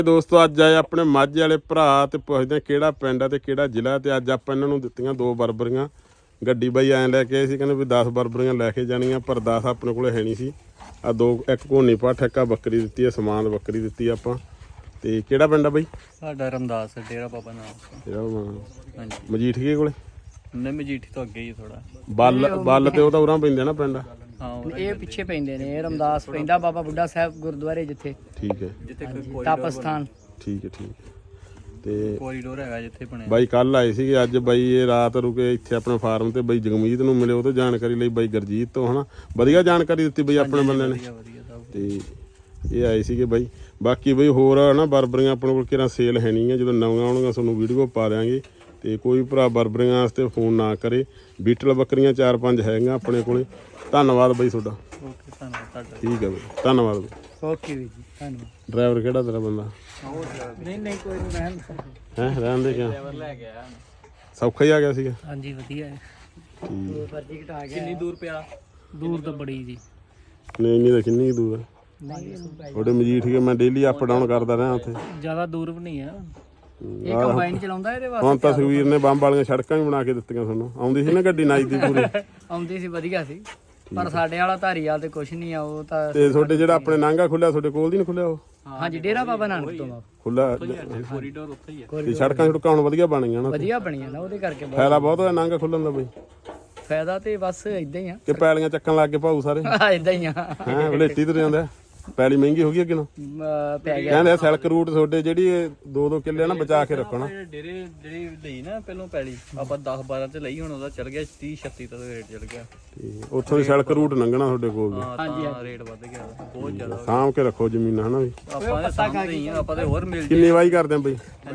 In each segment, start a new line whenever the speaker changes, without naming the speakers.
ਦੋਸਤੋ ਅੱਜ ਆਏ ਆਪਣੇ ਮਾਝੇ ਵਾਲੇ ਭਰਾ ਤੇ ਪੁੱਛਦੇ ਕਿਹੜਾ ਪਿੰਡ ਆ ਤੇ ਕਿਹੜਾ ਜ਼ਿਲ੍ਹਾ ਤੇ ਅੱਜ ਆਪਾਂ ਇਹਨਾਂ ਨੂੰ ਦਿੱਤੀਆਂ 2 ਬਰਬਰੀਆਂ। ਗੱਡੀ ਬਾਈ ਐਂ ਲੈ ਕੇ ਆਏ ਸੀ, ਕਹਿੰਦੇ ਵੀ 10 ਬਰਬਰੀਆਂ ਲੈ ਕੇ ਜਾਣੀਆਂ, ਪਰ 10 ਆਪਣੇ ਕੋਲੇ ਹੈ ਨਹੀਂ ਸੀ। ਆ 2 ਇੱਕ ਘੋਨੀ ਪਾ ਠੇਕਾ ਬੱਕਰੀ ਦਿੱਤੀ ਹੈ, ਸਮਾਨ ਬੱਕਰੀ ਦਿੱਤੀ ਆਪਾਂ। ਤੇ ਕਿਹੜਾ ਪਿੰਡ ਆ ਬਾਈ?
ਸਾਡਾ ਰਮਦਾਸ ਡੇਰਾ ਬਾਬਾ ਨਾਨਕ।
ਹਾਂਜੀ ਮਜੀਠੀਏ ਕੋਲੇ?
ਨਹੀਂ ਮਜੀਠੀ ਤੋਂ ਅੱਗੇ ਹੀ ਥੋੜਾ
ਬੱਲ ਤੇ ਉਹ ਤਾਂ ਉਰਾਂ ਪੈਂਦੇ ਨਾ ਪਿੰਡ।
ਹਾਂ
ਇਹ ਪਿੱਛੇ ਪੈਂਦੇ ਨੇ। ਇਹ ਰਮਦਾਸ ਪੈਂਦਾ ਬਾਬਾ ਬੁੱਢਾ ਸਾਹਿਬ ਗੁਰਦੁਆਰੇ ਜਿੱਥੇ।
ਠੀਕ ਹੈ,
ਜਿੱਥੇ ਕੋਈ
ਤਾਪਸਥਾਨ।
ਠੀਕ ਹੈ ਤੇ
ਕੋਰੀਡੋਰ ਹੈਗਾ ਜਿੱਥੇ ਬਣਿਆ।
ਬਾਈ ਕੱਲ ਆਏ ਸੀਗੇ, ਅੱਜ ਬਾਈ ਇਹ ਰਾਤ ਰੁਕੇ ਇੱਥੇ ਆਪਣੇ ਫਾਰਮ ਤੇ। ਬਾਈ ਜਗਮੀਤ ਨੂੰ ਮਿਲੇ, ਉਹ ਤੋਂ ਜਾਣਕਾਰੀ ਲਈ। ਬਾਈ ਗੁਰਜੀਤ ਤੋਂ ਹਨਾ ਵਧੀਆ ਜਾਣਕਾਰੀ ਦਿੱਤੀ ਬਾਈ ਆਪਣੇ ਬੰਦੇ ਨੇ। ਤੇ ਇਹ ਆਏ ਸੀਗੇ ਬਾਈ। ਬਾਕੀ ਬਾਈ ਹੋਰ ਹਨਾ ਬਰਬਰੀਆਂ ਆਪਣੇ ਕੋਲ ਕਿਹੜਾ ਸੇਲ ਹੈ ਨਹੀਂ ਹੈ, ਜਦੋਂ ਨਵੀਆਂ ਆਉਣਗੀਆਂ ਤੁਹਾਨੂੰ ਵੀਡੀਓ ਪਾ ਦਿਆਂਗੇ। ਤੇ ਕੋਈ ਭਰਾ ਬਰਬਰੀਆਂ ਵਾਸਤੇ ਫੋਨ ਨਾ ਕਰੇ। ਬੀਟਲ ਬੱਕਰੀਆਂ 4-5 ਹੈਗੀਆਂ ਆਪਣੇ ਕੋਲੇ। ਧੰਨਵਾਦ ਬਾਈ ਤੁਹਾਡਾ।
ਓਕੇ ਧੰਨਵਾਦ।
ਠੀਕ ਹੈ ਬਾਈ, ਧੰਨਵਾਦ ਬਾਈ।
ਓਕੇ ਵੀਰ ਜੀ, ਧੰਨਵਾਦ।
ਡਰਾਈਵਰ ਕਿਹੜਾ ਤੇਰਾ ਬੰਦਾ?
ਨਹੀਂ ਕੋਈ ਨਹੀਂ ਰਹਿਣ।
ਰਹਿਣ ਦੇ ਕਿਆ
ਡਰਾਈਵਰ ਲੈ ਗਿਆ
ਸੌਖਾ ਹੀ ਆ ਗਿਆ ਸੀਗਾ?
ਹਾਂਜੀ ਵਧੀਆ ਹੈ।
ਠੀਕ
ਫਰਜੀ ਘਟਾ ਗਿਆ।
ਕਿੰਨੀ ਦੂਰ ਪਿਆ?
ਦੂਰ ਤਾਂ ਬੜੀ ਜੀ।
ਨਹੀਂ ਨਹੀਂ ਤਾਂ ਕਿੰਨੀ ਕੁ ਦੂਰ ਹੈ ਤੁਹਾਡੇ ਮਜੀਠੀਏ? ਮੈਂ ਡੇਲੀ ਅਪ ਡਾਊਨ ਕਰਦਾ ਰਿਹਾ ਉੱਥੇ।
ਜ਼ਿਆਦਾ ਦੂਰ ਵੀ ਨਹੀਂ ਹੈ। ਇਹ ਕੰਬਾਈਨ ਚਲਾਉਂਦਾ ਇਹਦੇ ਵਾਸਤੇ।
ਹੁਣ ਤਾਂ ਸੁਖਵੀਰ ਨੇ ਬੰਬ ਵਾਲੀਆਂ ਸੜਕਾਂ ਵੀ ਬਣਾ ਕੇ ਦਿੱਤੀਆਂ ਤੁਹਾਨੂੰ। ਆਉਂਦੀ ਸੀ ਨਾ ਗੱਡੀ ਨਾਈ ਦੀ ਪੂਰੀ?
ਆਉਂਦੀ ਸੀ, ਵਧੀਆ ਸੀ। ਪਰ ਸਾਡੇ ਵਾਲਾ ਧਾਰੀਵਾਲ ਤੇ ਕੁਛ ਨਹੀਂ ਆ। ਉਹ ਤਾਂ
ਤੇ ਤੁਹਾਡੇ ਜਿਹੜਾ ਆਪਣੇ ਨਾਂਗਾ ਖੁੱਲਿਆ ਤੁਹਾਡੇ ਕੋਲ ਦੀ ਨਹੀਂ ਖੁੱਲਿਆ? ਉਹ
ਹਾਂਜੀ ਡੇਰਾ ਬਾਬਾ ਨਾਨਕ ਤੋਂ
ਖੁੱਲਾ
ਕੋਰੀਡੋਰ ਉੱਥੇ ਹੀ ਹੈ।
ਤੇ ਸੜਕਾਂ ਛੁੜਕਾਂ ਹੁਣ ਵਧੀਆ ਬਣ ਗਈਆਂ ਨਾ?
ਵਧੀਆ ਬਣੀਆਂ ਨਾ, ਉਹਦੇ ਕਰਕੇ
ਫਾਇਦਾ ਬਹੁਤ ਹੋਇਆ ਨਾਂਗਾ ਖੁੱਲਣ ਦਾ ਬਈ?
ਫਾਇਦਾ ਤੇ ਬਸ ਇਦਾਂ ਹੀ ਆ।
ਕਿ ਪੈਲੀਆਂ ਚੱਕਣ ਲੱਗ ਗਏ ਭਾਊ ਸਾਰੇ?
ਇਦਾਂ ਹੀ ਆ।
ਹੈ ਵਲੇਟੀ ਤੇ ਜਾਂਦਾ। ਪੈਲੀ ਮਹਿੰਗੀ ਹੋ ਗਈ ਅੱਗੇ ਨੂੰ
ਪੈ ਗਿਆ।
ਕਹਿੰਦੇ ਸਿਲਕ ਰੂਟ ਤੁਹਾਡੇ ਜਿਹੜੀ 2-2 ਕਿੱਲੇ ਨਾ ਬਚਾ ਕੇ ਰੱਖਣਾ।
ਡੇਰੇ ਜਿਹੜੀ ਲਈ ਨਾ ਪਹਿਲੋਂ ਪੈਲੀ ਆਪਾਂ 10-12 ਚ ਲਈ, ਹੁਣ ਉਹਦਾ ਚਲ ਗਿਆ 30-36 ਤੱਕ ਰੇਟ ਚਲ ਗਿਆ।
ਠੀਕ, ਉੱਥੋਂ ਦੀ ਸਿਲਕ ਰੂਟ ਲੰਘਣਾ ਤੁਹਾਡੇ ਕੋਲ ਵੀ।
ਹਾਂਜੀ ਰੇਟ ਵੱਧ ਗਿਆ ਬਹੁਤ ਜ਼ਿਆਦਾ।
ਸਾਂਭ ਕੇ ਰੱਖੋ ਜ਼ਮੀਨਾਂ ਹਨਾ ਵੀ।
ਆਪਾਂ ਦੇ ਸਾਹਮਣੇ ਹੀ ਆ, ਆਪਾਂ ਤੇ ਹੋਰ ਮਿਲ
ਕਿੰਨੀ ਵਾਈ ਕਰਦੇ ਆ ਬਈ?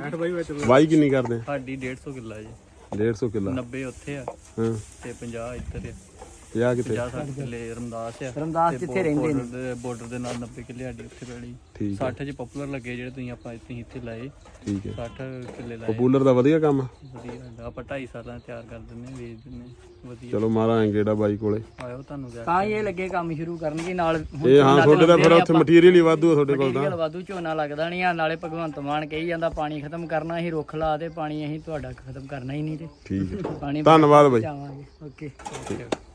ਵਾਈ ਕਿੰਨੀ ਕਰਦੇ ਆ?
ਸਾਡੀ 150 ਕਿੱਲਾ ਜੀ।
150 ਕਿੱਲਾ?
90 ਉੱਥੇ ਆ
ਹਾਂ
ਤੇ 50 ਇੱਧਰ ਆ।
50 ਕਿਤੇ?
50-60 ਕਿੱਲੇ ਰਮਦਾਸ ਆ।
ਰਮਦਾਸ ਜਿੱਥੇ ਰਹਿੰਦੇ ਨੇ
ਬਾਰਡਰ ਦੇ ਨਾਲ 90 ਕਿੱਲੇ ਸਾਡੀ ਉੱਥੇ ਪੈਲੀ।
ਠੀਕ
60 ਚ ਪਪੂਲਰ ਲੱਗੇ ਜਿਹੜੇ ਤੁਸੀਂ ਇੱਥੇ ਲਾਏ।
ਠੀਕ ਹੈ।
60 ਕਿੱਲੇ ਲਾਏ।
ਪਪੂਲਰ ਦਾ ਵਧੀਆ ਕੰਮ ਆ?
ਵਧੀਆ। ਆਪਾਂ 2.5 ਸਾਲਾਂ ਤਿਆਰ ਕਰ ਦਿੰਦੇ ਆ, ਵੇਚ ਦਿੰਦੇ ਆ। ਵਧੀਆ।
ਚਲੋ ਮਾਰਾਂਗੇ ਗੇੜਾ ਬਾਈ ਕੋਲੇ।
ਆਇਓ ਤੁਹਾਨੂੰ ਕਿਹਾ
ਤਾਂ ਹੀ ਇਹ ਲੱਗੇ ਕੰਮ ਸ਼ੁਰੂ ਕਰਨਗੇ ਨਾਲ।
ਇਹ ਹਾਂ ਤੁਹਾਡੇ ਦਾ ਫਿਰ ਉੱਥੇ ਮਟੀਰੀਅਲ ਹੀ ਵਾਧੂ ਆ ਤੁਹਾਡੇ ਕੋਲ ਤਾਂ।
ਵਾਧੂ ਝੋਨਾ ਲੱਗਦਾ ਨਹੀਂ ਆ। ਨਾਲੇ ਭਗਵੰਤ ਮਾਨ ਕਹੀ ਜਾਂਦਾ ਪਾਣੀ ਖਤਮ ਕਰਨਾ, ਅਸੀਂ ਰੁੱਖ ਲਾ ਤੇ ਪਾਣੀ ਅਸੀਂ ਤੁਹਾਡਾ ਖਤਮ ਕਰਨਾ ਹੀ ਨਹੀਂ। ਤੇ
ਠੀਕ ਹੈ,
ਪਾਣੀ
ਧੰਨਵਾਦ ਬਾਈ।
ਚਾਵਾਂਗੇ। ਓਕੇ।